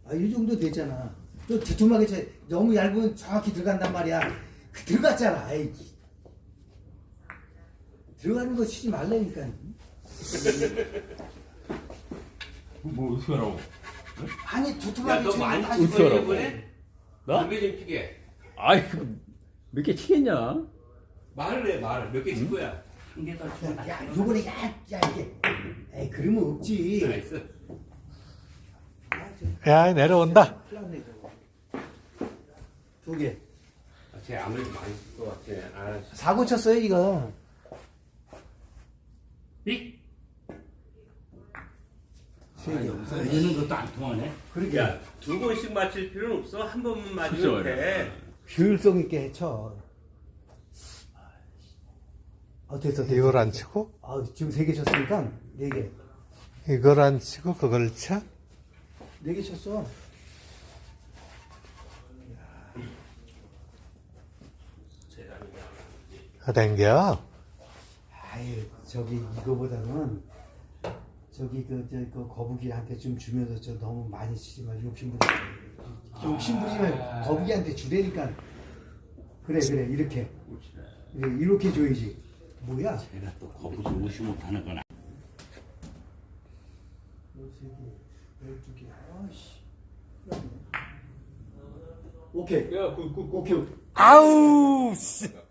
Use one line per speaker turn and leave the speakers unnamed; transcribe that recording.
아, 이 정도 되잖아. 또 두툼하게 쳐. 너무 얇으면 정확히 들어간단 말이야. 들어갔잖아. 에이. 들어가는 거 치지 말라니까.
뭐 어떻게 하라고?
아니 두툼하게
야너
치면
많이
다시
어떻게
치고
하라고?
이번에?
나?
담배 좀 피게.
아이 몇 개 치겠냐?
말을 해 말. 몇 개 칠 거야?
한 개 더 치고
야, 요번에 얇게. 에이, 그러면 없지.
나이스.
야, 내려온다.
플라네 저거. 두 개.
쟤 아무래도 많이 쓸 것 같아. 아,
사고 쳤어요, 이거.
삑!
세 개.
이러는 것도 안 통하네.
그러게.
야, 두 번씩 맞힐 필요는 없어. 한 번만 맞으면 돼.
효율성 있게 쳐. 됐어.
이걸 안 치고,
지금 세 개 쳤으니까 네 개.
이걸 안 치고, 그걸 쳐?
네 개 쳤어.
땡겨.
아유, 저기 이거보다는 저기 그 거북이한테 좀 주면서 저 너무 많이 치지 마. 욕심부리면 거북이한테 주라니까. 그래 이렇게. 그래, 이렇게 줘야지. 뭐야?
내가 또 거북이 무시 못하는 거나.
13개, 12개. 아씨. 오케이.
야,
오케이.
아우, 씨.